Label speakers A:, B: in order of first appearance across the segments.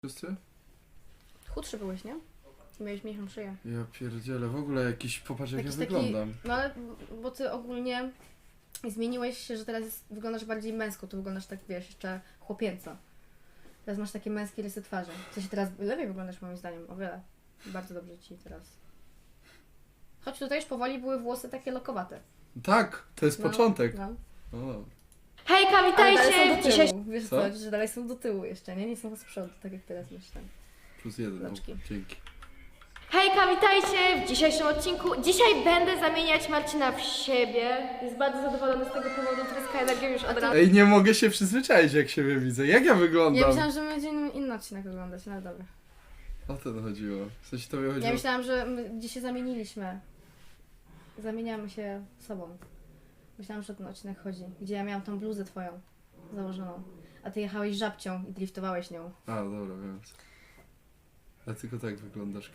A: Wszyscy?
B: Chudszy byłeś, nie? Miałeś mniejszą szyję.
A: Ja pierdzielę, w ogóle jakiś, popatrz jak ja
B: Jakiś
A: wyglądam.
B: No ale, bo ty ogólnie zmieniłeś się, że teraz wyglądasz bardziej męsko, tu wyglądasz tak, wiesz, jeszcze chłopięco. Teraz masz takie męskie rysy twarzy. W sensie teraz lepiej wyglądasz moim zdaniem, o wiele. Bardzo dobrze ci teraz. Choć tutaj już powoli były włosy takie lokowate.
A: Tak, to jest początek.
B: No.
A: O.
C: Hejka,
B: Ale dalej są
C: witajcie!
B: do
C: Dzisiaj
B: tyłu. Wiesz
A: Co?
B: co, że dalej są do tyłu jeszcze, nie? Nie są z przodu, tak jak teraz myślę.
A: +1,
B: Loczki.
A: dzięki.
C: Hejka, witajcie w dzisiejszym odcinku. Dzisiaj będę zamieniać Marcina w siebie. Jest bardzo zadowolony z tego powodu, tryska energią już od rana.
A: Ej, nie mogę się przyzwyczaić jak siebie widzę. Jak ja wyglądam?
B: Ja myślałam, że będzie inny odcinek oglądać, no ale dobra.
A: O to chodziło. W sensie to mi chodziło.
B: Ja myślałam, że my gdzieś się zamieniliśmy. Zamieniamy się sobą. Myślałam, że o ten odcinek chodzi. Gdzie ja miałam tą bluzę twoją założoną. A ty jechałeś żabcią i driftowałeś nią.
A: A, dobra, wiem. A tylko tak wyglądasz,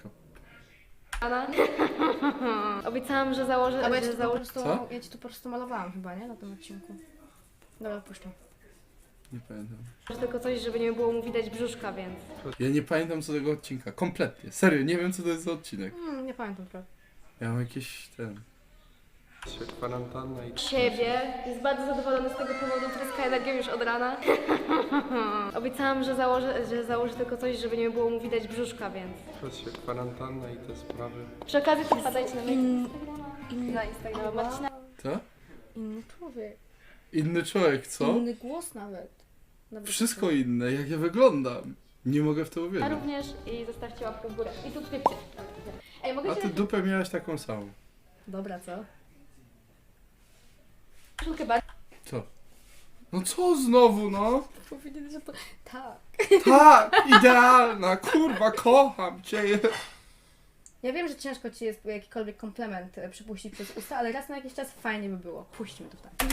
C: Obiecałam, że założę...
B: A bo ja ci,
C: że
B: tu po
C: założę...
B: prostu,
A: Co?
B: ja ci tu po prostu malowałam chyba, nie? Na tym odcinku. Dobra, puszczam.
A: Nie pamiętam.
C: tylko coś, żeby nie było mu widać brzuszka, więc...
A: Ja nie pamiętam co tego odcinka. Kompletnie. Serio, nie wiem co to jest za odcinek.
B: Nie pamiętam prawie.
A: Ja mam jakieś ten...
D: Kwarantanna i
C: Siebie. Jest bardzo zadowolony z tego powodu, tryska energią już od rana. Obiecałam, że założę tylko coś, żeby nie było mu widać brzuszka, więc...
D: teraz się kwarantanna i te sprawy.
C: Przy okazji to wpadajcie na na Instagrama Marcina.
A: Co?
B: Inny człowiek.
A: Inny człowiek, co?
B: Inny głos nawet.
A: Wszystko inne, jak ja wyglądam. Nie mogę w to
C: A
A: uwierzyć.
C: również i zostawcie łapkę w górę. I subskrypcję. Ej, mogę
A: A
C: cię
A: ty dupę miałaś taką samą.
B: Dobra, co?
C: koszulkę bardziej.
A: Co? No co znowu, no?
B: Powiedzieli, że to... Tak.
A: Tak, idealna, kurwa, kocham cię.
B: Ja wiem, że ciężko ci jest jakikolwiek komplement przypuścić przez usta, ale raz na jakiś czas fajnie by było. Puśćmy to tak.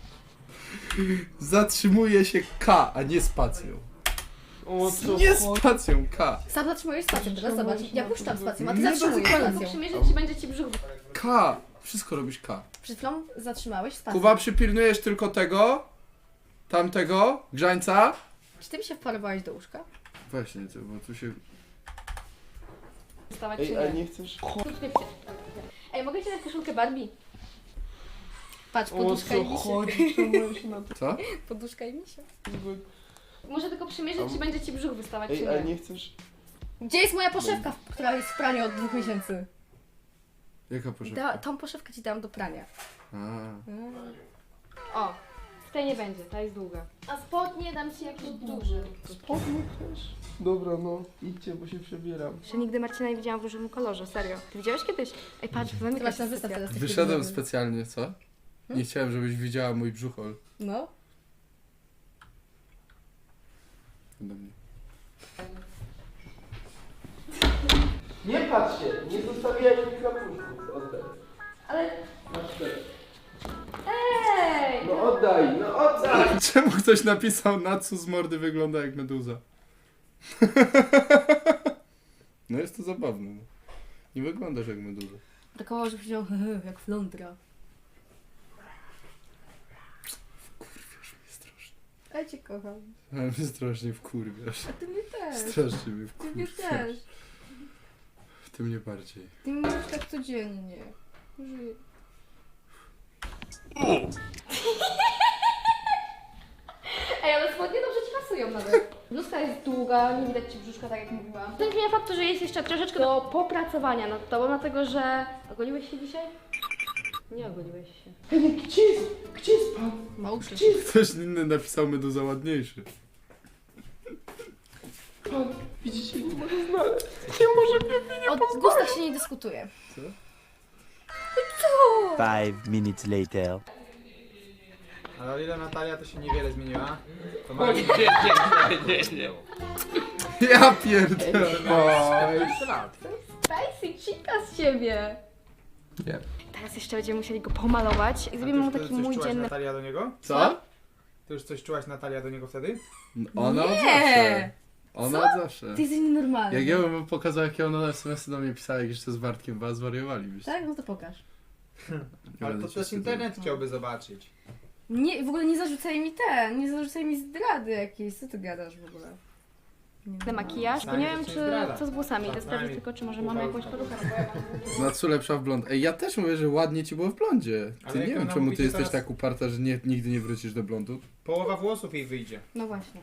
A: Zatrzymuje się K, a nie spacją.
D: O
A: Nie spacją, K.
B: Sam zatrzymujesz spacją, teraz zobacz. Ja puszczam spacją, a ty
A: Nie
B: zatrzymujesz
A: dotykaj.
B: spacją.
C: Przymierzyć ci będzie ci brzuch.
A: K. Wszystko robisz K.
B: Przed chwilą zatrzymałeś spacją.
A: Kuba, przypilnujesz tylko tego, tamtego, grzańca.
B: Czy ty mi się wparowałeś do łóżka?
A: Właśnie, ty, bo tu się...
C: Wstawać
D: Ej,
C: czy
D: ale
C: nie?
D: nie chcesz?
C: Subskrypcję. Ej, mogę ci dać koszulkę Barbie?
B: Patrz,
D: O
B: poduszka i
D: co
B: misia.
D: chodzi? Czemu się na to...
A: Co?
B: Poduszka i misia.
C: Muszę tylko przymierzyć, czy będzie ci brzuch wystawać,
D: Ej,
C: czy
D: ale
C: nie.
D: nie chcesz?
B: Gdzie jest moja poszewka, która jest w praniu od 2 miesięcy?
A: Jaka poszedł?
B: Tą poszewkę ci dałam do prania.
C: O, w tej nie będzie, ta jest długa. A spodnie dam ci jakiś duży.
D: Spodnie chcesz? Dobra, no. Idźcie, bo się przebieram.
C: Jeszcze nigdy Marcina nie widziałam w różowym kolorze, serio. Ty widziałeś kiedyś? Ej, patrz,
B: Ty
C: zamykaj
B: masz
C: się
B: na zestaw teraz. tych
A: Wyszedłem
B: filmów.
A: specjalnie, co? Nie chciałem, żebyś widziała mój brzuchol.
B: No.
A: Ode mnie.
D: Nie patrz się! Nie zostawiaj mi kapuszków. Oddaj.
C: Ale...
D: Masz te.
C: Ej!
D: No oddaj, no oddaj!
A: Czemu ktoś napisał, Natsu z mordy wygląda jak meduza? No jest to zabawne. No. Nie wyglądasz jak meduza.
B: Takowo, że powiedział jak flądra.
A: Wkurwiasz mnie strasznie.
B: Ja cię kocham.
A: Ale mnie strasznie wkurwiasz.
B: A ty mnie też.
A: Strasznie mnie
B: Ty mnie
A: wkurwiasz.
B: też.
A: Ty mnie bardziej.
B: Ty mnie już tak codziennie. Żyj.
C: Ej, ale spodnie dobrze ci pasują nawet. Bluzka jest długa, nie widać ci brzuszka, tak jak mówiłam. To nie zmienia faktu, że jest jeszcze troszeczkę do popracowania nad tobą, dlatego że... Ogoliłeś się dzisiaj? Nie ogoliłeś się.
D: Ej, gdzie jest pan?
B: Małczy.
A: Ktoś inny napisał meduza ładniejszy.
D: Pan, widzicie, nie może znaleźć. Nie może mnie...
B: O gustach się nie dyskutuje.
E: 5 minutes later.
F: Ale o ile Natalia to się niewiele zmieniła, to ma
A: Ja pierdolę.
F: 14 lat.
C: Daj chica z siebie!
D: Nie.
C: Teraz jeszcze będziemy musieli go pomalować i zrobimy mu
F: Ty
C: taki
F: już coś
C: mój
F: czułaś
C: dzienny...
F: Natalia do niego?
A: Co?
F: Ty już coś czułaś Natalia do niego wtedy?
A: Ona od
B: Nie!
A: zawsze. Ona od zawsze.
B: Ty jesteś nienormalny.
A: Jak ja bym pokazał, jakie ona SMS-y do mnie pisała, jak jeszcze z Bartkiem was zwariowalibyście.
B: Tak? No to pokaż.
A: Nie
F: Ale
A: będę
F: to
A: cię
F: też
A: wstydził.
F: internet chciałby zobaczyć.
B: Nie, w ogóle nie zarzucaj mi nie zarzucaj mi zdrady jakiejś. Co ty gadasz w ogóle?
C: na makijaż, bo nie wiem co z włosami. Idę sprawdzić tylko, czy może mamy jakąś perukę. No bo ja mam...
A: Natsu lepsza w blond. Ej, ja też mówię, że ładnie ci było w blondzie.
F: Ale
A: Ty
F: jak
A: nie
F: wy
A: wiem, czemu ty
F: namówicie
A: jesteś
F: teraz-
A: tak uparta, że nigdy nie wrócisz do blondu.
F: Połowa włosów jej wyjdzie.
B: No właśnie.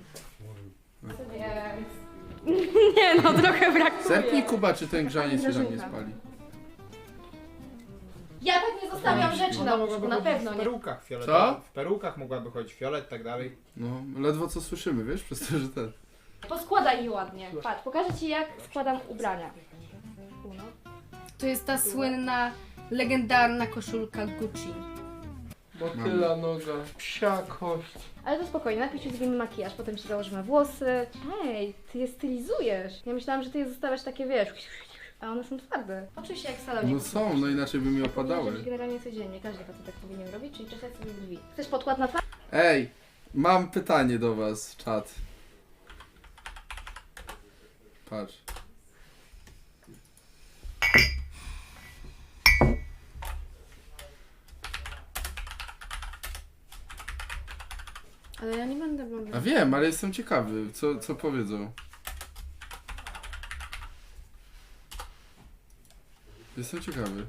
C: Nie no, trochę brakuje.
A: Zerknij, Kuba, czy ten grzaniec się tam nie
C: Grażynka.
A: spali.
C: Ja tak nie zostawiam rzeczy na łóżku, na pewno
F: w
C: nie.
F: perukach fioletowych.
A: Co?
F: W perukach mogłaby chodzić fiolet, tak dalej.
A: No, ledwo co słyszymy, wiesz, przez to, że ten...
C: Poskładaj je ładnie. Patrz, pokażę ci jak składam ubrania. Uno.
B: To jest ta słynna, legendarna koszulka Gucci.
D: Motyla noga, psia kość.
C: Ale to spokojnie, najpierw ci zrobimy makijaż, potem ci założymy włosy. Hej, ty je stylizujesz. Ja myślałam, że ty je zostawiasz takie, wiesz, a one są twarde. Oczywiście jak w salonie.
A: No są, no inaczej by mi
C: Powinien
A: opadały.
C: robić generalnie codziennie, każdy facet tak powinien robić, czyli czesać sobie drzwi. Chcesz podkład na twarz?
A: Ej, mam pytanie do was, czat. Patrz.
B: Ale ja nie będę blondynką.
A: A wiem, ale jestem ciekawy, co powiedzą. Jestem ciekawy.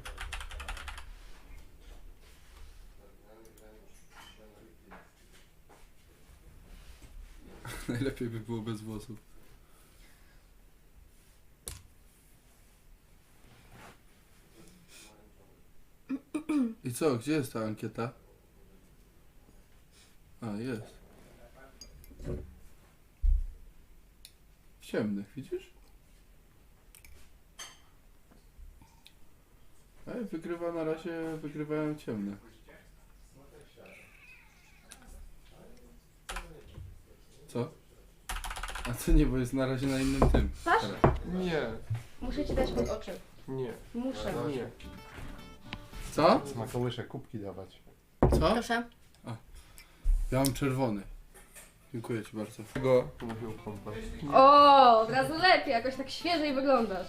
A: Najlepiej by było bez włosów. I co, gdzie jest ta ankieta? A, jest. W ciemnych, widzisz? Ej, wygrywa na razie, wygrywają ciemne. Co? A to nie, bo jest na razie na innym tym.
C: Twarz?
A: Teraz.
D: Nie,
C: Muszę ci dać pod oczy.
D: nie,
C: Muszę.
D: nie.
A: Co?
G: Ma kołysze kubki dawać.
A: Co?
B: Proszę.
A: Ja mam czerwony. Dziękuję ci bardzo.
D: Go.
G: Mówił kompas.
C: O, od razu lepiej, jakoś tak świeżej wyglądasz.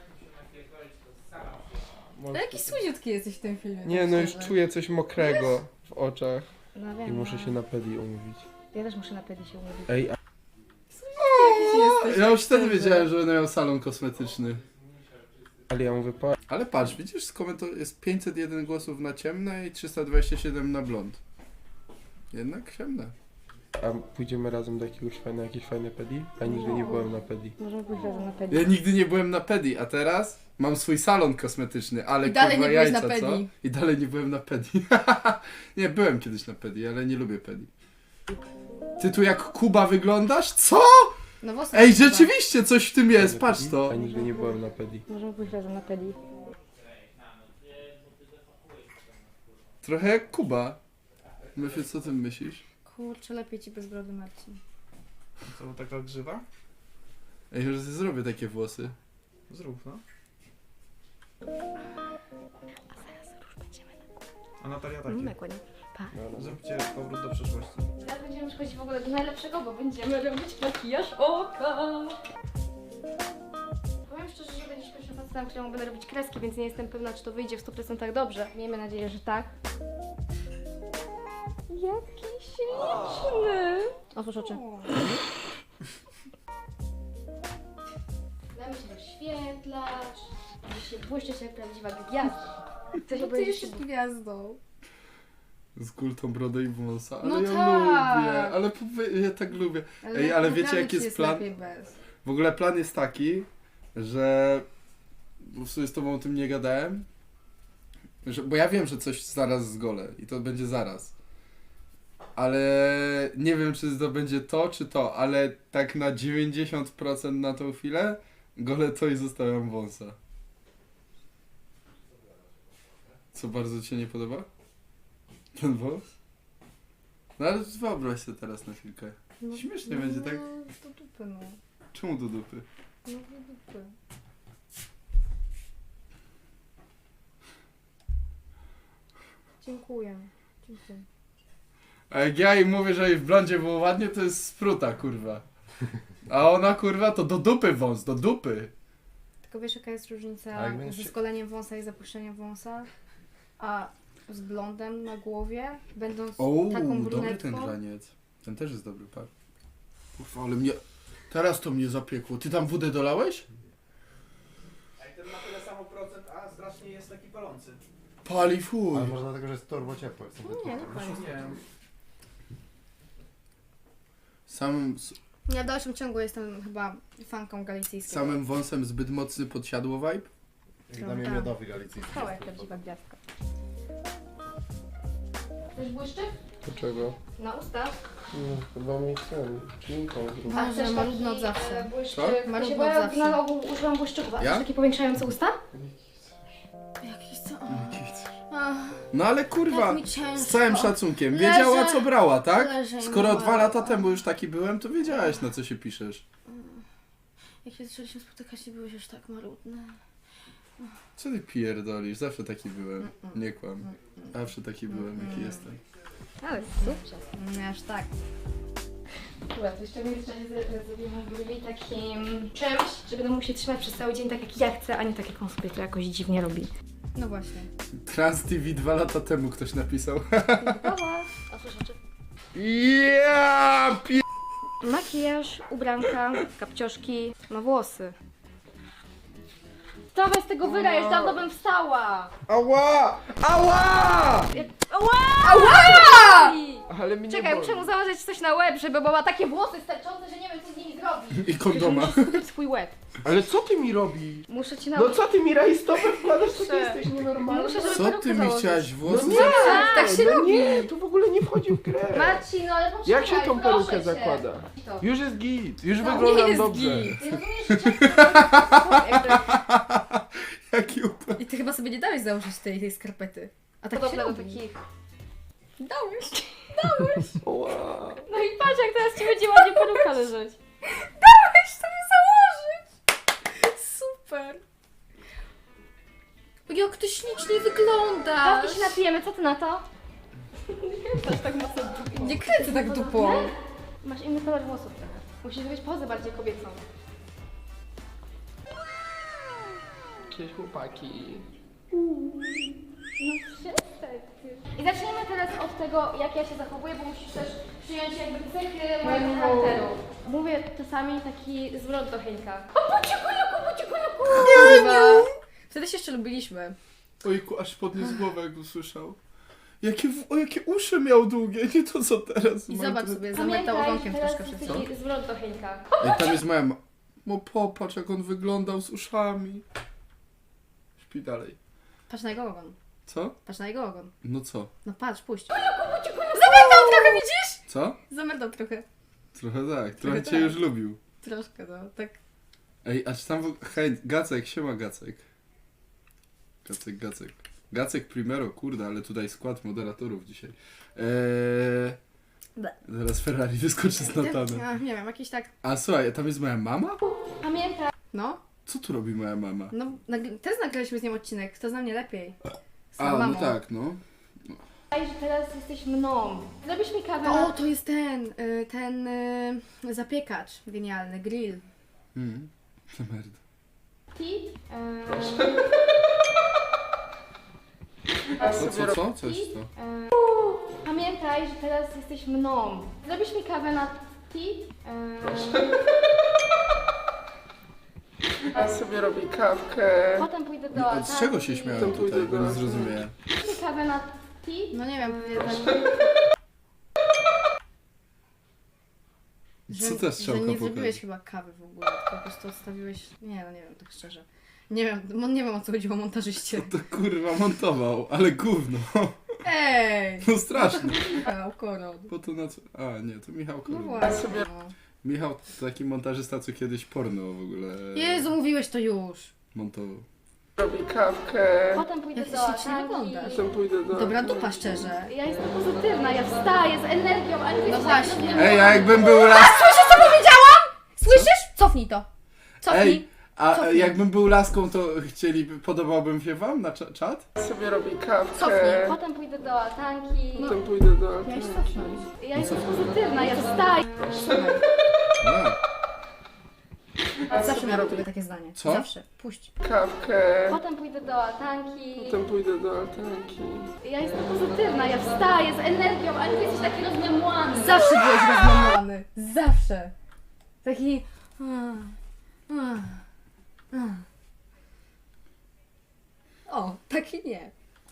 B: Ale jaki słodziutki jesteś w tym filmie.
D: Nie,
B: tak
D: no już
B: szczerze.
D: czuję coś mokrego w oczach
C: No
D: i
C: wiem.
D: muszę się na pedi umówić.
C: Ja też muszę na pedi się umówić.
D: Ej, a
B: Jesteś
A: Ja już
B: tak
A: wtedy
B: szczerze.
A: wiedziałem, że będę miał salon kosmetyczny.
D: ale ja mówię,
A: Ale patrz, widzisz, jest 501 głosów na ciemne i 327 na blond. Jednak ciemne.
D: a pójdziemy razem do jakieś fajne pedi? Ja nigdy nie byłem na pedi.
C: Możemy pójść razem na pedi.
A: Ja nigdy nie byłem na pedi, a teraz mam swój salon kosmetyczny, ale
B: I dalej
A: kurwa
B: nie byłeś
A: jajca,
B: na
A: co?
B: pedi.
A: I dalej nie byłem na pedi. Nie, byłem kiedyś na pedi, ale nie lubię pedi. Ty tu jak Kuba wyglądasz? Co?
B: No włosy
A: Ej,
B: chyba.
A: rzeczywiście coś w tym jest, patrz
D: Ja
A: to.
D: nigdy nie byłem na pedi.
C: Możemy pójść razem na pedi.
A: Trochę jak Kuba. Myślę, co ty myślisz?
B: Kurczę, lepiej ci bez brody, Marcin.
F: Co, taka grzywa?
A: Ej, że zrobię takie włosy.
F: Zrób, no. A Natalia takie.
C: Nakładnie. Pa.
F: Zróbcie powrót do przeszłości.
C: Teraz będziemy przechodzić w ogóle do najlepszego, bo będziemy robić makijaż oka. Powiem szczerze, że będziesz pierwszym facetem, któremu będę robić kreski, więc nie jestem pewna, czy to wyjdzie w 100% dobrze. Miejmy nadzieję, że tak. Jaki śliczny! Otwórz oczy. Damy się doświetlać. Błyszczysz jak prawdziwa gwiazda. Chcesz
B: Ty
C: obejrzeć
B: jesteś gwiazdą.
A: Z kultą brodę i wąsa. Ale
B: No
A: ja
B: tak.
A: lubię, ale ja tak lubię. Ej, ale wiecie,
B: naprawdę
A: jaki
B: ci
A: jest plan?
B: lepiej bez.
A: W ogóle plan jest taki, że w sumie z tobą o tym nie gadałem, bo ja wiem, że coś zaraz zgolę i to będzie zaraz. Ale nie wiem, czy to będzie to, czy to, ale tak na 90% na tą chwilę golę to i zostawiam wąsa. Co bardzo ci się nie podoba? Ten wąs? No ale wyobraź sobie teraz na chwilkę. Śmiesznie będzie, tak?
B: No, do dupy, no.
A: Czemu do dupy?
B: No, do dupy. Dziękuję. Dziękuję.
A: A jak ja im mówię, że jej w blondzie było ładnie, to jest spruta, kurwa. A ona, kurwa, to do dupy wąs, do dupy.
B: Tylko wiesz, jaka jest różnica
G: A jak będziesz
B: ze
G: się-
B: skoleniem wąsa i zapuszczeniem wąsa? A z blondem na głowie, będąc
A: O,
B: taką
A: dobry ten
B: brunetką.
A: graniec. Ten też jest dobry, patrz. Kurwa, ale mnie... Teraz to mnie zapiekło. Ty tam wódę dolałeś?
F: Jak ten ma tyle samo procent, a strasznie jest taki palący.
A: Pali fuj.
G: Ale może dlatego, że jest turbo ciepłe.
B: Nie, nie pali.
F: Nie wiem.
B: Ja w dalszym ciągu jestem chyba fanką galicyjskiej.
A: Samym wąsem zbyt mocny podsiadło vibe?
G: Jak dla mnie miodowy galicyjski.
B: Cała jak prawdziwa gwiazdka.
C: Też błyszczyk?
G: Dlaczego?
C: Na usta.
G: Chyba mi ten, czynką zrobił.
B: Boże,
C: też
B: marudno
C: taki,
B: od zawsze.
C: Błyszczyk.
A: Co?
B: Marudno
C: Bo
B: od
C: ja
B: zawsze.
C: na ogół używam błyszczyków. A
A: Ja?
C: też takie powiększające usta?
B: Jakiś co?
A: No ale kurwa,
B: Jak mi ciężko.
A: z całym szacunkiem,
B: Leżę.
A: wiedziała co brała, tak?
B: Leżę i
A: Skoro
B: mam
A: 2 lata
B: ładno.
A: temu już taki byłem, to wiedziałaś na co się piszesz.
B: Jak się zaczęliśmy spotykać i byłeś już tak marudny.
A: Co ty pierdolisz? Zawsze taki byłem. Nie kłam. Zawsze taki byłem, jaki jestem.
C: Ale super.
B: Nie aż tak.
C: Dobra, to jeszcze w międzyczasie zrobimy grubi takim czymś, że będę mógł się trzymać przez cały dzień tak jak ja chcę, a nie tak jak on sobie to jakoś dziwnie robi.
B: No właśnie.
A: Trans TV 2 lata temu ktoś napisał.
C: Gotowa. A słyszycie?
A: Ja
C: Makijaż, ubranka, kapcioszki, ma włosy. Wstawaj z tego wyra, już dawno bym wstała!
A: Ała! Ała!
C: Ała!
D: Ale mnie
C: Czekaj, muszę mu założyć coś na łeb, żeby, bo ma takie włosy sterczące, że nie wiem co z nimi zrobić.
A: I kondoma.
C: Muszę skupić swój łeb.
D: Ale co ty mi robisz?
C: Muszę ci
D: No
C: nauczyć.
D: co ty mi rajstopę wkładasz, co ty
C: Muszę.
D: jesteś nienormalny?
C: Muszę, żeby
A: Co
C: perukę
A: ty mi
C: założyć.
A: chciałaś włosy?
D: nie,
C: tak się robi.
D: Nie, tu w ogóle nie wchodzi w grę.
C: Marcin, no ale poczekaj,
D: Jak się tą
C: proszę
D: perukę
C: cię.
D: zakłada?
C: To.
D: Już jest git, już
C: No,
D: wyglądam
B: nie jest
D: dobrze.
B: git.
C: Ty rozumiesz, że często
A: Jaki upał.
B: I ty chyba sobie nie dałeś założyć tej skarpety. A tak się
C: podobne do
B: robi.
C: takich.
B: Dałeś.
D: Wow.
C: No i patrz jak teraz ci będzie ładnie peruka leżeć.
B: Dałeś sobie założyć. Super. Jak ty ślicznie wyglądasz.
C: Dawki się napijemy, co ty na to? Patrz tak mocno.
B: Nie kręcę tak dupą.
C: Masz inny kolor włosów trochę. Musisz zrobić pozę bardziej kobiecą.
D: Cześć chłopaki.
C: No przestań ty. I zaczniemy teraz od tego, jak ja się zachowuję, bo musisz też przyjąć jakby cechy mojego charakteru. Mówię czasami taki zwrot do Henka. O buciku.
B: Kurwa. Wtedy się jeszcze lubiliśmy.
A: Ojku, aż podniósł głowę jak usłyszał. Jakie uszy miał długie, nie to co teraz.
B: I
A: mam
B: zobacz
A: tu-
B: sobie,
C: Pamiętaj,
B: zamytał
C: że
B: ogonkiem
C: teraz
B: troszkę
C: jest
B: przed
C: taki zwrot do Henka.
A: Ej, tam jest moja No popatrz jak on wyglądał z uszami. Śpi dalej.
B: Patrz na jego ogon.
A: Co?
B: Patrz na jego ogon.
A: No co?
B: No patrz, puść. Zamętał trochę, widzisz?
A: Co?
B: Zamętał trochę.
A: Trochę tak, trochę
B: Trochę
A: cię
B: tak.
A: już lubił.
B: Troszkę, no. Tak.
A: Ej, a czy tam... Hej, Gacek, siema Gacek. Gacek. Gacek Primero, kurde, ale tutaj skład moderatorów dzisiaj.
B: Ble.
A: Zaraz Ferrari wyskoczy z Natanem.
B: Ja, nie wiem, jakiś tak...
A: A słuchaj, tam jest moja mama?
C: Pamiętaj,
B: No.
A: Co tu robi moja mama?
B: No, też nagraliśmy z nią odcinek. Kto zna mnie lepiej? Z
A: A,
B: mamą.
A: no tak, no.
C: że teraz jesteś mną. Zrobisz mi kawę
B: O,
C: na...
B: to jest ten zapiekacz genialny, grill.
A: To merda. Co? Co jest to?
C: Pamiętaj, że teraz jesteś mną. Zrobisz mi kawę na tea?
D: Ja sobie robię kawkę.
C: Potem pójdę do
A: A z czego się śmiałem tutaj, bo nie zrozumiałem.
C: Zrobisz mi kawę na tea?
B: No nie wiem,
A: Co ta
B: że
A: strzałka
B: nie
A: pokaże?
B: zrobiłeś chyba kawy w ogóle, tylko po prostu odstawiłeś... Nie, no nie wiem, tak szczerze. Nie wiem o co chodziło montażyście.
A: To kurwa montował, ale gówno.
B: Ej!
A: No strasznie.
B: Michał Koron.
A: Po to na co... A, nie, to Michał
B: No
A: Koron.
B: właśnie. No.
A: Michał, taki montażysta, co kiedyś porno w ogóle
B: Jezu, mówiłeś to już.
A: montował.
D: Robię kawkę.
C: Potem pójdę
B: Jak ty
C: do
B: ślicznie
C: altanki.
B: wyglądasz.
D: Potem pójdę do...
B: Dobra dupa, szczerze.
C: Ja jestem pozytywna, ja wstaję z energią, a nie
B: No
C: jesteś
B: właśnie.
C: taki
A: Ej, a jakbym był las...
B: Słyszysz, co powiedziałam? Słyszysz? Cofnij to. Cofnij.
A: Ej, a
B: Cofnij.
A: jakbym był laską, to podobałbym się wam na czat?
D: Ja sobie robię kawkę.
B: Cofnij.
C: Potem pójdę do altanki.
D: Potem pójdę do...
B: Miałeś cofnąć.
C: Ja jestem pozytywna, ja wstaję.
B: Słuchaj,
A: A,
B: zawsze miałam tobie takie zdanie.
A: Co?
B: Zawsze. Puść.
D: Kawkę.
C: Potem pójdę do altanki.
D: Potem pójdę do altanki.
C: Ja jestem pozytywna, ja wstaję z energią, a nie jesteś taki rozmiemłany.
B: Zawsze byłeś rozmamany. Zawsze. Taki... O, taki nie.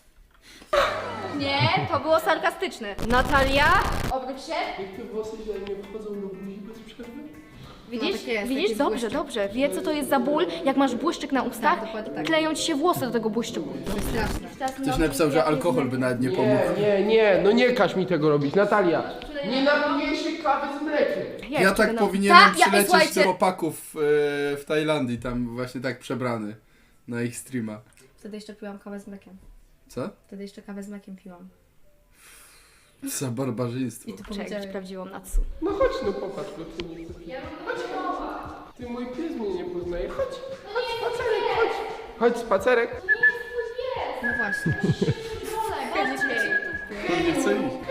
C: Nie, to było sarkastyczne. Natalia, obróć się.
D: Jak te włosy źle nie wchodzą do buzi bez przerwy?
C: Widzisz?
B: No, tak jest,
C: Widzisz?
B: taki
C: Dobrze,
B: błyszczyk.
C: dobrze. Wie, co to jest za ból, jak masz błyszczyk na ustach,
B: Tak, dokładnie tak.
C: kleją ci się włosy do tego błyszczyku.
B: To jest straszne.
A: Ktoś napisał, że alkohol by nawet nie pomógł.
D: Nie, no nie każ mi tego robić, Natalia. Nie napijesz się kawy z mlekiem.
A: Ja tak powinienem
B: Tak,
A: przylecieć
B: słuchajcie.
A: do chłopaków w Tajlandii, tam właśnie tak przebrany na ich streama.
B: Wtedy jeszcze piłam kawę z mlekiem.
A: Co?
B: Wtedy jeszcze kawę z mlekiem piłam.
A: Za barbarzyństwo.
B: I ty
C: Czekaj,
B: powiedziałeś.
C: sprawdziłam Natsu.
D: No chodź, no popatrz, bo ty nie Chodź, ty mój pies mnie nie poznaje. Chodź, spacerek, chodź. Chodź, spacerek.
B: No właśnie.
A: On nie chce iść.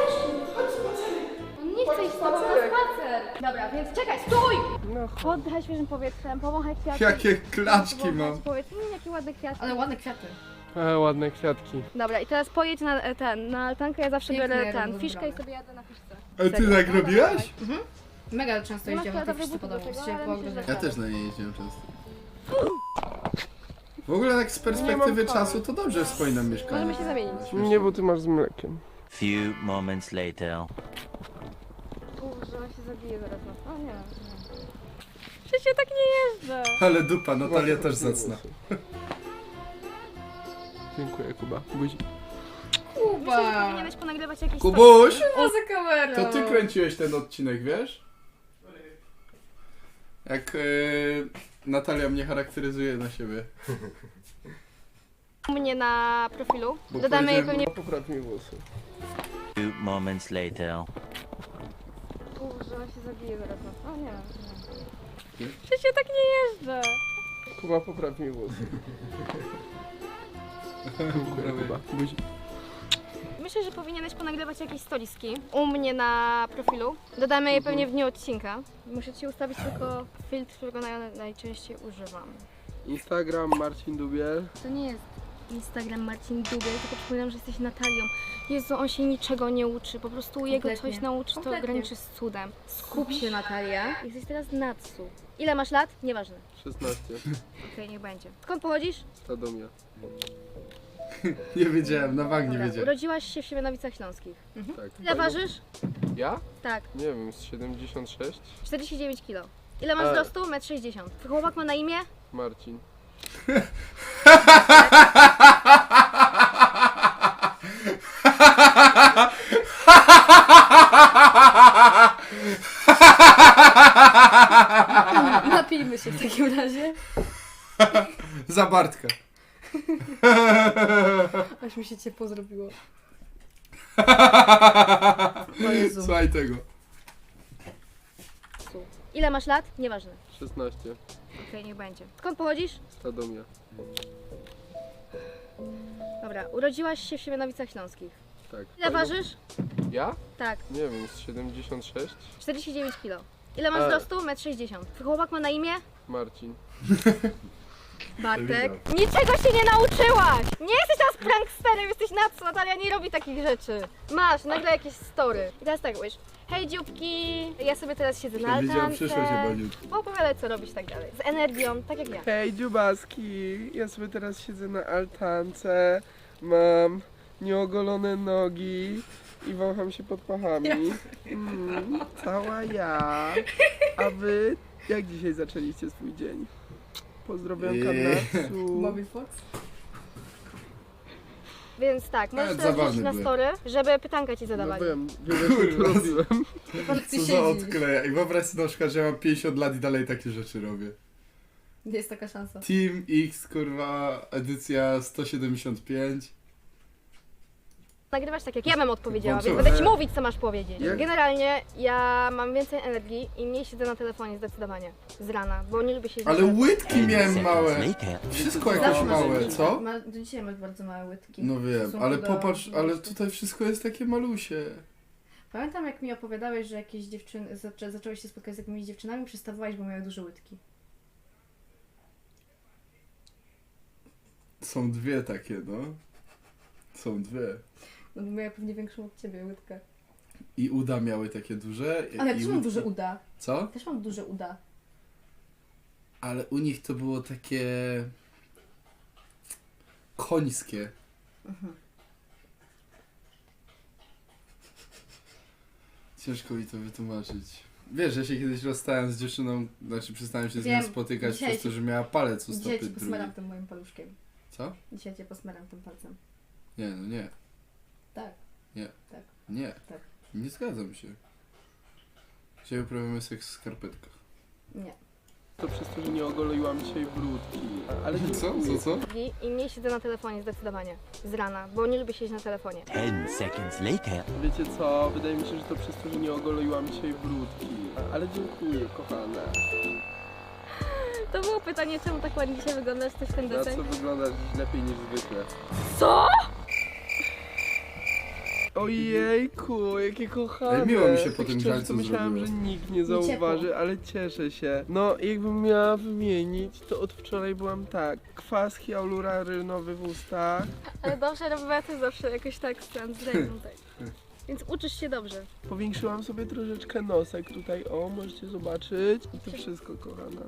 C: On nie chce iść z tobą na spacer. Dobra, więc czekaj, stój!
D: No
C: Oddychaj świeżym powietrzem, powąchaj kwiaty.
A: Jakie klaczki mam.
C: Powiedz, jakie ładne kwiaty.
B: Ale ładne kwiaty.
D: ładne kwiatki.
C: Dobra, i teraz pojedź na altankę, ja zawsze
B: Pięknie
C: biorę
B: robią
C: fiszkę i
B: wybrane.
C: sobie jadę na fiszce.
A: A ty tak robiłaś?
B: Mega często
C: Nie ma
B: jeździłam na tej
C: kwiatowych
B: fiszce
C: butów do
B: podobno.
C: tego,
B: Się
C: ale
B: po
C: myślę, że
B: ogrodzie.
A: Ja też na niej jeździłem często. W ogóle tak z perspektywy czasu to dobrze wspominam mieszkanie.
C: Możemy się zamienić.
D: Nie, bo ty masz z mlekiem.
E: Few moments later.
C: Kurczę, on się zabije zaraz na O nie. Przecież ja tak nie jeżdżę.
A: Ale dupa, Natalia też zacna.
D: Dziękuję, Kuba. Buzi.
B: Kuba!
C: Powinieneś ponagrywać jakieś
A: Kubuś!
B: Poza kamerą!
A: To ty kręciłeś ten odcinek, wiesz? Jak Natalia mnie charakteryzuje na siebie.
C: u mnie na profilu.
A: Bo
C: Dodamy jej
A: powiedziałem-
C: pewnie...
D: Popraw mi włosy.
E: Few moments later.
C: Kurczę, on się zabije zaraz na O nie. Przecież ja tak nie jeżdżę.
D: Kuba, popraw mi włosy. Dziękuję, Kuba. Buzi.
C: Myślę, że powinieneś ponagrywać jakieś stoliski u mnie na profilu. Dodamy je pewnie w dniu odcinka. Muszę ci ustawić tylko filtr, którego najczęściej używam.
D: Instagram Marcin Dubiel.
C: To nie jest Instagram Marcin Dubiel, tylko przypominam, że jesteś Natalią. Jezu, on się niczego nie uczy, po prostu jego
B: Kompletnie.
C: coś nauczy, to
B: Kompletnie.
C: graniczy z cudem. Skup się, Natalia. Jesteś teraz Natsu. Ile masz lat? Nieważne.
D: 16.
C: Okej, niech będzie. Skąd pochodzisz?
D: Radomia.
A: Nie wiedziałem, na bank nie
C: Dobra,
A: wiedziałem.
C: urodziłaś się w Siemianowicach Śląskich.
D: Tak.
C: Ile ważysz?
D: Ja?
C: Tak,
D: Nie wiem, z 76.
C: 49 kg. Ile masz wzrostu? 1,60 m. Twój chłopak ma na imię?
D: Marcin.
B: Napijmy się w takim razie.
A: Za Bartka.
B: Aż mi się ciepło zrobiło. O Jezu.
A: Słuchaj tego.
C: Ile masz lat? Nieważne.
D: 16.
C: Okej, niech będzie. Skąd pochodzisz?
D: Radomia.
C: Dobra, urodziłaś się w Siemianowicach Śląskich.
D: Tak.
C: Ile ważysz?
D: Ja?
C: Tak,
D: Nie wiem, z 76.
C: 49 kg. Ile masz wzrostu? 1,60 m. Twój chłopak ma na imię?
D: Marcin.
C: Bartek. Niczego się nie nauczyłaś! Nie jesteś teraz pranksterem, jesteś Natsu. Natalia nie robi takich rzeczy. Masz, nagle jakieś story. I teraz tak mówisz. Hej dzióbki, ja sobie teraz siedzę na
A: Widziałem
C: altance.
A: przyszłość chyba jutro.
C: Opowiadaj co robisz tak dalej. Z energią, tak jak ja.
D: Hej dziubaski, ja sobie teraz siedzę na altance, mam nieogolone nogi i wącham się pod pachami. Cała ja. A wy jak dzisiaj zaczęliście swój dzień? Pozdrowiam Natsu.
B: Mobil Fox?
C: Więc tak, możesz
A: Nawet
C: teraz
A: zabawne
C: wrzucić na
A: były.
C: story, żeby pytanka ci
D: No
C: zadawali.
D: wiem, wiele rzeczy robiłem.
A: Co za odkleja. I wyobraź sobie na przykład, że ja mam 50 lat i dalej takie rzeczy robię.
B: Jest taka szansa.
A: Team X, kurwa, edycja 175.
C: Nagrywasz tak jak ja bym odpowiedziała, więc
A: Włączyłem.
C: będę ci mówić co masz powiedzieć.
D: Jak?
C: Generalnie ja mam więcej energii i mniej siedzę na telefonie zdecydowanie. Z rana, bo nie lubię siedzieć
A: Ale
C: na telefonie.
A: łydki miałem małe.
E: Later.
A: Wszystko
B: Zawsze
A: jakieś
B: masz
A: małe,
B: łytki.
A: co?
B: Do dzisiaj masz bardzo małe łydki.
A: No
B: W
A: wiem,
B: stosunku
A: ale
B: do
A: popatrz, ale
B: wzrostu.
A: tutaj wszystko jest takie malusie.
B: Pamiętam jak mi opowiadałeś, że jakieś dziewczyny, zacząłeś się spotkać z jakimiś dziewczynami, przestawałeś, bo miały duże łydki.
A: Są dwie takie, no. Są dwie.
B: No bo miały pewnie większą od ciebie łydkę.
A: I uda miały takie duże.
B: Ale ja
A: i
B: też mam
A: łydki.
B: duże uda.
A: Co?
B: Też mam duże uda.
A: Ale u nich to było takie końskie. Ciężko mi to wytłumaczyć. Wiesz, ja się kiedyś rozstałem z dziewczyną, znaczy przestałem się z nią
B: Wiem,
A: spotykać
B: dzisiaj
A: przez to,
B: ci-
A: że miała palec u
B: Dzisiaj
A: stopy
B: cię
A: drugiej.
B: posmaram tym moim paluszkiem.
A: Co?
B: Dzisiaj cię posmaram tym palcem.
A: Nie, no nie.
B: Tak.
A: Nie.
B: Tak.
A: Nie.
B: Tak.
A: Nie zgadzam się. Dzisiaj uprawiamy seks w skarpetkach.
B: Nie.
D: To przez to, że nie ogoliłam dzisiaj brudki. Ale
A: Co?
C: I mniej siedzę na telefonie zdecydowanie. Z rana, bo nie lubię siedzieć na telefonie.
E: 10 seconds later.
D: Wiecie co? Wydaje mi się, że to przez to, że nie ogoliłam dzisiaj brudki. Ale dziękuję, kochana.
C: To było pytanie, czemu tak ładnie dzisiaj wyglądasz, coś w ten
D: Na
C: deseń?
D: co wyglądasz lepiej niż zwykle.
C: Co?
D: Ojejku, jakie kochane.
A: Ale miło mi się po
D: Tak
A: tym
D: szczerze,
A: żarcu
D: to myślałem,
A: zrobiło.
D: że nikt nie
B: ciepło.
D: zauważy, ale cieszę się. No, jakbym miała wymienić, to od wczoraj byłam tak. Kwas hialuronowy w ustach.
C: Ale dobrze, robię też zawsze jakoś tak z Andrzejem, tak. Więc uczysz się dobrze.
D: Powiększyłam sobie troszeczkę nosek tutaj, o, możecie zobaczyć. I to wszystko, kochana.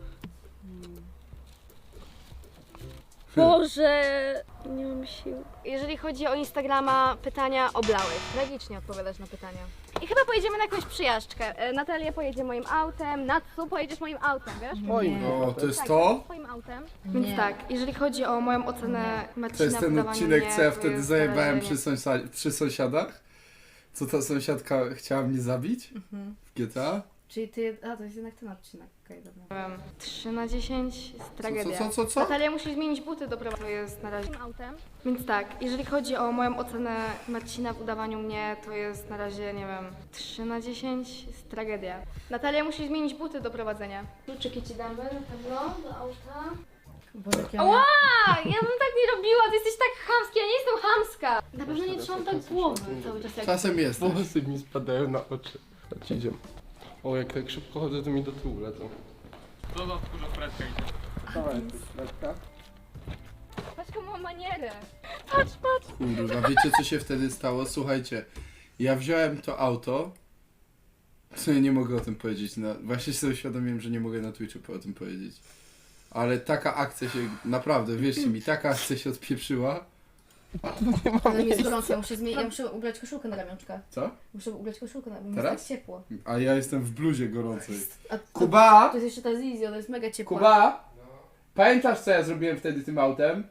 C: Boże, nie mam sił. Jeżeli chodzi o Instagrama, pytania oblałeś. Tragicznie odpowiadasz na pytania. I chyba pojedziemy na jakąś przyjażdżkę. Natalia pojedzie moim autem, Natsu pojedziesz moim autem, wiesz?
D: Moim
A: O, to jest
C: Tak,
A: to?
C: twoim autem.
B: Nie.
C: Więc tak, jeżeli chodzi o moją ocenę Marcina
A: To jest ten
C: wydawania
A: odcinek,
C: mnie,
A: co ja
C: to
A: wtedy
C: jest
A: zajebałem
C: narażenie.
A: przy sąsiadach? Co ta sąsiadka chciała mnie zabić? W GTA?
B: Czyli ty... A, to jest jednak ten odcinek. Okej, dobra.
C: 3 na 10 jest tragedia.
A: Co?
C: Natalia musi zmienić buty do prawa, to jest na razie autem. Więc tak, jeżeli chodzi o moją ocenę Marcina w udawaniu mnie, to jest na razie, nie wiem, 3 na 10 jest tragedia. Natalia musi zmienić buty do prowadzenia. Kluczyki ci damy na pewno do auta.
B: Boże, jakie
C: Ała! Ja bym tak nie robiła, ty jesteś tak chamski, ja nie jestem chamska. Na pewno nie trzymam tak głowy cały czas jak...
A: Czasem jest.
D: Włosy mi spadają na oczy. Chodź, idziemy. O, jak tak szybko chodzę, to mi do tyłu lecą.
F: To do wkurza fredka idzie.
D: Dawaj, Fredka.
C: Patrz jaką mam manierę. Patrz.
A: Kurwa, wiecie co się wtedy stało? Słuchajcie, ja wziąłem to auto, co ja nie mogę o tym powiedzieć, właśnie sobie uświadomiłem, że nie mogę na Twitchu o tym powiedzieć. Ale taka akcja się, naprawdę, wierzcie mi, taka akcja się odpieprzyła.
B: Ale mi jest gorąco, ja muszę ubrać koszulkę na ramionczka.
A: Co?
B: Muszę ubrać koszulkę na ramionczka,
A: Teraz?
B: jest tak ciepło.
A: A ja jestem w bluzie gorącej.
B: A to,
A: Kuba!
B: To jest jeszcze ta Zizio, to jest mega ciepło.
A: Kuba! Pamiętasz co ja zrobiłem wtedy tym autem?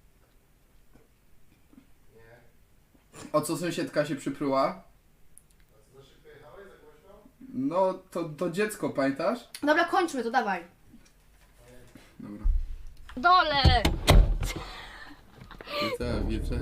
A: O co sąsiedka się przypruła? No, to dziecko, pamiętasz?
B: Dobra, kończmy to, dawaj.
A: Dobra.
C: Dole!
A: Wieczę.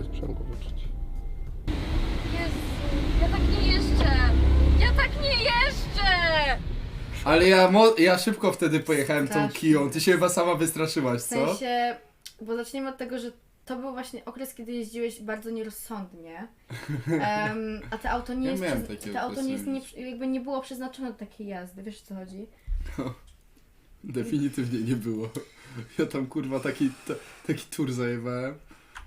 C: Jezu, ja tak nie jeżdżę! Ja tak nie jeżdżę!
A: Ale ja szybko wtedy pojechałem tą
B: Strasznie.
A: Kiją. Ty się chyba sama wystraszyłaś,
B: W
A: co?
B: sensie, bo zaczniemy od tego, że to był właśnie okres, kiedy jeździłeś bardzo nierozsądnie. A to auto nie
A: Ja
B: jest,
A: miałem takie
B: to auto nie jest
A: okresy
B: jakby nie było przeznaczone do takiej jazdy, wiesz o co chodzi?
A: Definitywnie nie było. Ja tam kurwa taki tur zajebałem.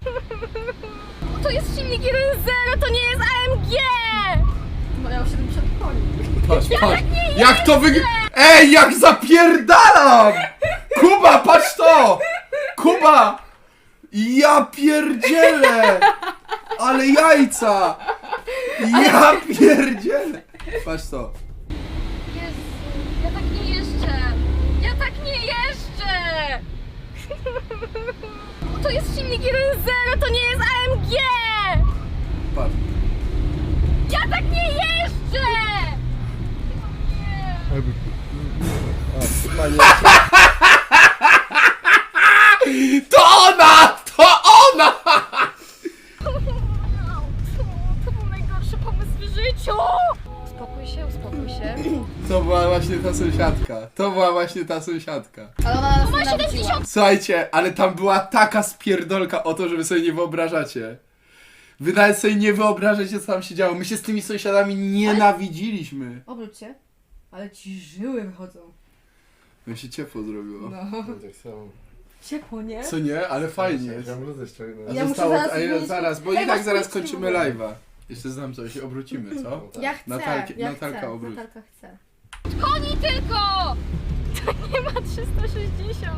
C: To jest silnik 1.0, to nie jest AMG!
B: Miał 70 koni.
A: Patrz. Jak to Ej, jak zapierdalam! Kuba, patrz to! Kuba! Ja pierdzielę! Ale jajca! Ja pierdzielę! Patrz to.
C: Jezu, ja tak nie jeżdżę! Ja tak nie jeżdżę! To jest silnik 1.0, to nie jest AMG!
A: Patrz.
C: Ja tak nie jeżdżę!
A: To ona! To ona!
C: To był najgorszy pomysł w życiu! Uspokój się.
A: To była właśnie ta sąsiadka.
B: Ale ona nas nienawidziła.
A: Słuchajcie, ale tam była taka spierdolka o to, że wy sobie nie wyobrażacie. Wy nawet sobie nie wyobrażacie, co tam się działo. My się z tymi sąsiadami nienawidziliśmy.
B: Obróć się. Ale ci żyły wychodzą.
A: No się ciepło zrobiło.
B: No.
G: Tak samo.
B: Ciepło, nie?
A: Co nie? Ale fajnie jest.
G: Ja bluzę ściągnę.
A: A
B: Ja muszę
A: zostało,
B: zaraz
A: a ja
B: zmienić-
A: zaraz, bo
B: Ej,
A: i tak
B: masz
A: zaraz
B: policzki
A: kończymy
B: w ogóle.
A: live'a. Jeszcze znam coś, obrócimy, co?
B: Ja chcę,
A: Natalka
B: chcę.
A: obróć.
B: Natalka chce.
C: Koni tylko! To nie ma 360.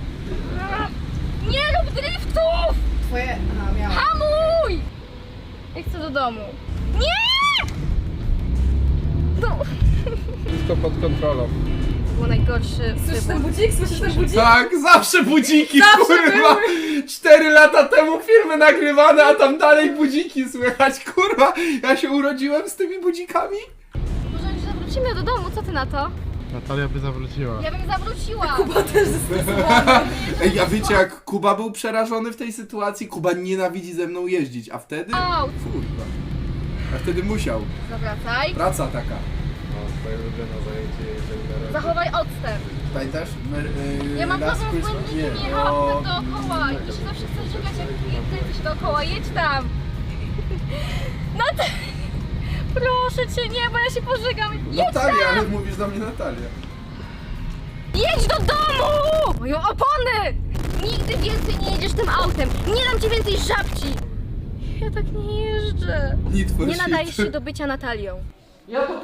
C: Nie rób driftów!
B: Twoje... Aha, miałam.
C: Hamuj! Ja chcę do domu. Nie! No.
D: Wszystko pod kontrolą.
C: To był najgorszy
B: Słyszysz ten
C: wybór.
B: budzik? Słyszysz ten budzik?
A: Tak, zawsze budziki,
B: Zawsze
A: kurwa! 4 lata temu filmy nagrywane, a tam dalej budziki słychać, kurwa! Ja się urodziłem z tymi budzikami?
C: Może już zawrócimy do domu, co ty na to?
G: Natalia by zawróciła.
C: Ja bym zawróciła.
B: Kuba też zestresowany.
A: Ej, a wiecie jak Kuba był przerażony w tej sytuacji? Kuba nienawidzi ze mną jeździć, a wtedy...
C: Au.
A: Kurwa. A wtedy musiał.
C: Zawracaj.
A: Praca taka.
G: No, swoje ulubione zajęcie, jeżeli na razie.
C: Zachowaj odstęp.
A: Pamiętasz?
C: Ja mam
A: Last
C: problem z
A: Christmas?
C: błędnikiem,
A: Nie,
C: jechałam
A: no.
C: tak dookoła i ty się zawsze chcesz żegać, jak kręcisz się dookoła, jedź tam! No to... Proszę cię, nie, bo ja się pożygam, jedź
A: Natalia, ale
C: tam!
A: mówisz do mnie Natalia.
C: Jedź do domu! Moją opony! Nigdy więcej nie jedziesz tym autem, nie dam ci więcej żabci! Ja tak nie jeżdżę.
A: Need for
C: Nie
A: shit.
C: nadajesz się do bycia Natalią.
D: Ja to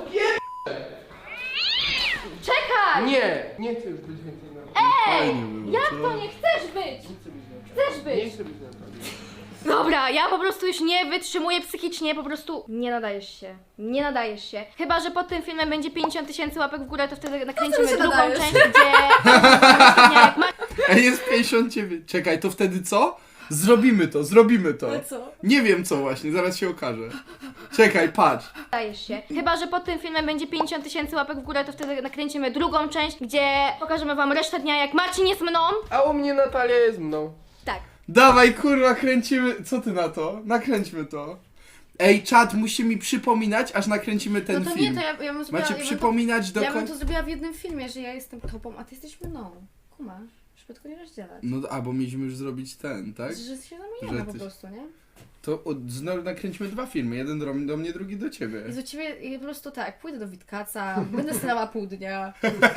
C: Czekaj!
D: nie chcę już być więcej na
C: Ej!
A: Fajnie było,
C: Jak
A: co?
C: to nie chcesz być? Chcesz
D: Nie
C: być!
D: chcę być Natalią.
C: Dobra, ja po prostu już nie wytrzymuję psychicznie, po prostu nie nadajesz się. Nie nadajesz się. Chyba że pod tym filmem będzie 50 000 łapek w górę, to wtedy nakręcimy
B: się
C: drugą
B: nadajesz?
C: część, gdzie... jak ma...
A: Ej, jest 59. Czekaj, to wtedy co? Zrobimy to.
B: Ale co?
A: Nie wiem co właśnie, zaraz się okaże. Czekaj, patrz.
C: Nadajesz się. Chyba że pod tym filmem będzie 50 000 łapek w górę, to wtedy nakręcimy drugą część, gdzie pokażemy wam resztę dnia, jak Marcin jest mną.
D: A u mnie Natalia jest mną.
C: Tak.
A: Dawaj kurwa, kręcimy. Co ty na to? Nakręćmy to. Ej, czat musi mi przypominać, aż nakręcimy ten
B: No to
A: film.
B: nie, to ja bym zrobiła...
A: Macie
B: ja bym
A: przypominać do
B: to, ja bym
A: końca.
B: to zrobiła w jednym filmie, że ja jestem tobą, a ty jesteś mną. Kumasz? Żeby tylko nie rozdzielać.
A: No, a bo mieliśmy już zrobić ten, tak?
B: Że się zamieniamy
A: Że
B: po
A: ty-
B: prostu, nie?
A: To znowu nakręćmy 2 filmy. Jeden do mnie, drugi do ciebie.
B: I do ciebie i po prostu tak, pójdę do Witkaca, będę stała pół dnia.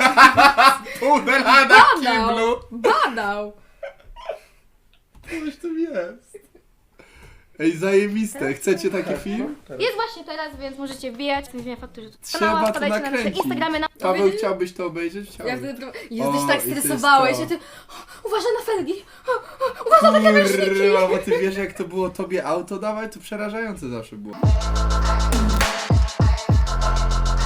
A: Udela na kiblu!
B: Badał!
A: Coś tu jest. Ej, zajebiste. Chcecie taki film?
C: Jest właśnie teraz, więc możecie wbijać. Nie wiem faktu, że
A: Trzeba to
C: wpadajcie na nasze
A: nakręcić.
C: Instagramy na...
A: Paweł, chciałbyś to obejrzeć?
B: Ja
A: Chciałbym.
B: wtedy Jezus,
A: O,
B: tak
A: i to jest
B: stresowałeś,
A: to.
B: ja ty... Uważaj na felgi! Uważaj na kamerzniki!
A: Kurwa, bo ty wiesz jak to było tobie auto dawać? To przerażające zawsze było.